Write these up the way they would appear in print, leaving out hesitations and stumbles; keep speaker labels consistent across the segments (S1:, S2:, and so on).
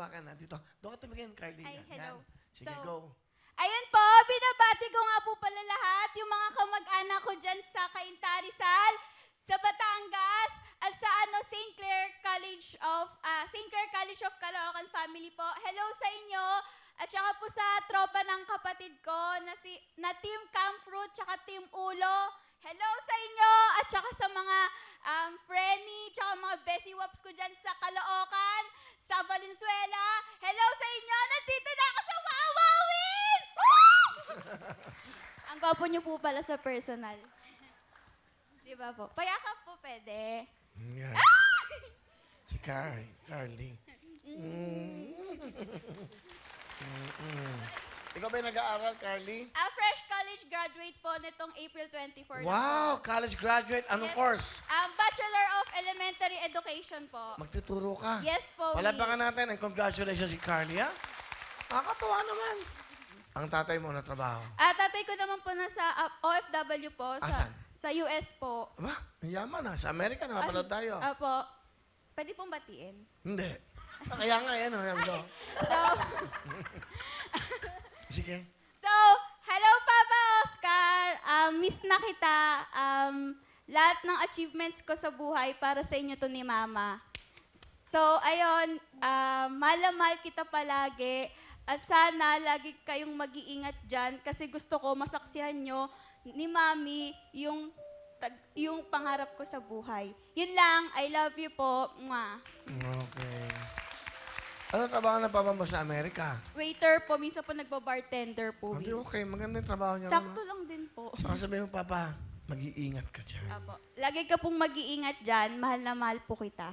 S1: hawakan na. Dito. Doon ka tumingin, Carly.
S2: Ay,
S1: Yan.
S2: hello.
S1: Sige,
S2: So,
S1: go.
S2: Ayun po, binabati ko nga po pala lahat, yung mga kamag-anak ko dyan sa Cainta Rizal, sa Batangas, at sa St. Clair College of Caloocan Family po. Hello sa inyo, at saka po sa tropa ng kapatid ko na Team Camfruit, tsaka Team Ulo. Hello sa inyo, at saka sa mga Frenny, tsaka mga Bessie Wops ko dyan sa Caloocan, sa Valenzuela. Hello sa inyo, nandito na ako sa Wawawin! Ang gwapo niyo po pala sa personal. Di ba po? Payakap po pwede.
S1: Yan. Si Carly. Ikaw ba yung nag-aaral, Carly?
S2: Fresh college graduate po nitong April 24 na po.
S1: Wow, college graduate. Anong
S2: Yes.
S1: course?
S2: Bachelor of Elementary Education po.
S1: Magtuturo ka.
S2: Yes po.
S1: Palapakan natin and congratulations si Carly, ha? Nakakatuwa naman. Ang tatay mo na trabaho.
S2: Tatay ko naman po nasa OFW po.
S1: Asan?
S2: Sa US po.
S1: Aba, ang yaman ha. Sa Amerika, nakapanood tayo.
S2: Opo. Pwede pong batiin.
S1: Hindi. Kaya nga, yan o.
S2: So,
S1: Sige.
S2: So, hello Papa Oscar. Miss na kita. Lahat ng achievements ko sa buhay para sa inyo to ni Mama. So, ayun, mahal na mahal kita palagi. At sana lagi kayong mag-iingat dyan kasi gusto ko masaksihan nyo ni Mami yung pangarap ko sa buhay. Yun lang. I love you po. Mwah.
S1: Okay. Ano trabaho na papa mo sa Amerika?
S2: Waiter po. Minsan po nagba-bartender po.
S1: Hindi, okay. Maganda yung trabaho niya.
S2: Sakto lang din po.
S1: Saka sabihin mo, Papa, mag-iingat ka dyan.
S2: Apo. Lagi ka pong mag-iingat dyan. Mahal na mahal po kita.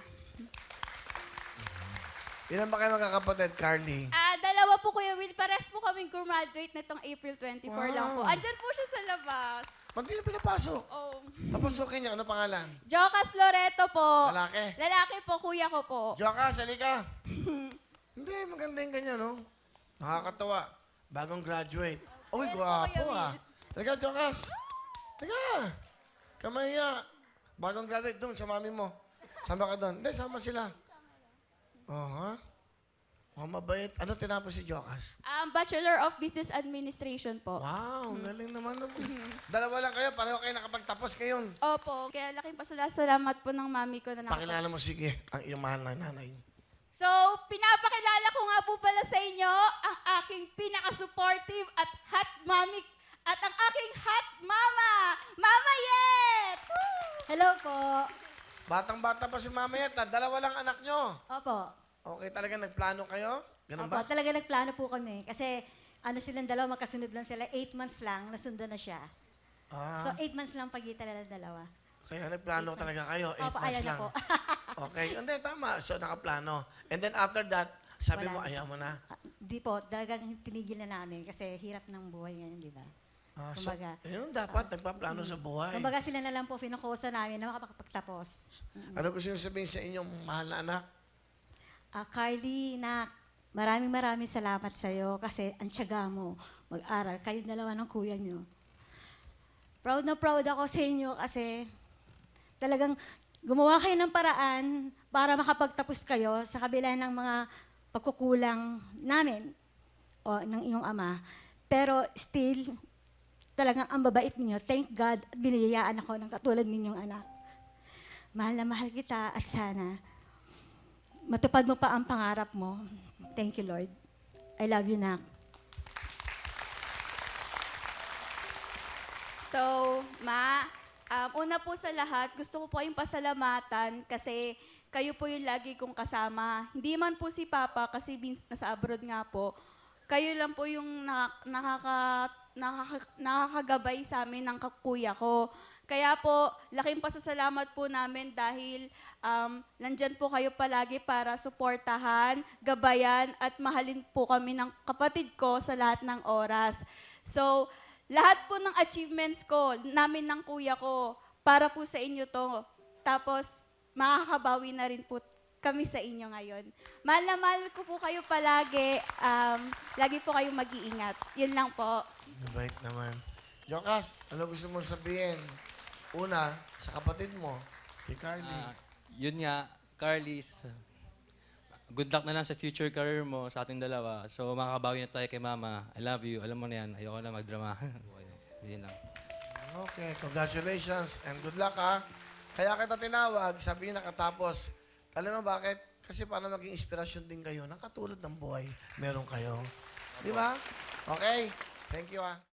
S1: Ilan ba kayo magkakapatid, Carly?
S2: Dalawa po, Kuya Will. Pares po kaming graduate nitong April 24 lang po.
S1: Wow.
S2: Andyan po siya sa labas.
S1: Ba't di na pinapasok?
S2: Oh.
S1: Papasukin niya. Ano pangalan?
S2: Jocas Loreto po.
S1: Lalaki?
S2: Lalaki po, kuya ko po.
S1: Joka, salika. Hindi, maganda yung ganyan, no? Nakakatawa. Bagong graduate. Uy,
S2: Yes,
S1: gwapo,
S2: Kuya Will.
S1: Halika, Jokas. Halika. Kamaya. Bagong graduate doon sa mami mo. Sama ka doon. Hindi, sama sila. Oh, ha? Oh, mabait. Ano tinapos si Jokas?
S2: Bachelor of Business Administration po.
S1: Wow, galing naman. Dalawa lang kayo, pareho kayo nakapagtapos ngayon.
S2: Opo. Kaya laking pasalamat po ng mami ko na
S1: Pakilala mo, sige, ang iyong mahal na nanay.
S2: So, pinapakilala ko nga po pala sa inyo ang aking pinaka-supportive at hot mommy at ang aking hot mama, Mama Yet!
S3: Hello po.
S1: Batang-bata pa si Mama Yet, dalawa lang anak nyo.
S3: Opo.
S1: Okay, talaga nagplano kayo? Ganun
S3: Opo,
S1: ba?
S3: talaga nagplano po kami. Kasi silang dalawa, magkasunod lang sila. 8 months lang, nasundo na siya. So, 8 months lang pagitan nila dalawa.
S1: Kaya nagplano talaga kayo, 8
S3: Opo,
S1: months
S3: ayan na
S1: lang.
S3: po.
S1: Okay, hindi, tama. So, nakaplano. And then after that, sabi mo,
S3: Wala.
S1: ayaw mo na.
S3: Di po, talagang tinigil na namin kasi hirap ng buhay ngayon, di ba?
S1: So,
S3: Kumbaga,
S1: yun dapat, nagpaplano sa buhay.
S3: Kumbaga sila na lang po finukusa namin na makapagtapos.
S1: Ano gusto nyo sabihin sa inyong mahal na anak?
S3: Carly, maraming salamat sa iyo kasi ang tiyaga mo mag-aral. Kayong dalawa ng kuya nyo. Proud na proud ako sa inyo kasi talagang gumawa kayo ng paraan para makapagtapos kayo sa kabila ng mga pagkukulang namin o ng iyong ama. Pero still, talagang ang babait ninyo. Thank God at biniyayaan ako ng katulad ninyong anak. Mahal na mahal kita at sana matupad mo pa ang pangarap mo. Thank you, Lord. I love you, Nak.
S2: So, Ma, una po sa lahat, gusto ko po kayong pasalamatan kasi kayo po yung lagi kong kasama. Hindi man po si Papa kasi nasa abroad nga po. Kayo lang po yung nakakagabay sa amin ng kuya ko. Kaya po, laking pasasalamat po namin dahil nandyan po kayo palagi para suportahan, gabayan, at mahalin po kami ng kapatid ko sa lahat ng oras. So, lahat po ng achievements ko, namin ng kuya ko, para po sa inyo to. Tapos, makakabawi na rin po kami sa inyo ngayon. Mahal na mahal ko po kayo palagi. Lagi po kayong mag-iingat. Yun lang po.
S1: Mabait naman. Jokas, ano gusto mo sabihin? Una, sa kapatid mo, si Carly.
S4: Yun nga, Carly's, good luck na lang sa future career mo sa ating dalawa. So, makakabawi na tayo kay Mama. I love you. Alam mo na yan. Ayoko na magdrama. Yun lang.
S1: Okay, congratulations and good luck ha. Kaya kita tinawag, sabi niya nakatapos. Alam mo bakit? Kasi para maging inspirasyon din kayo, nakatulad ng buhay, meron kayo. Di ba? Okay, thank you ha.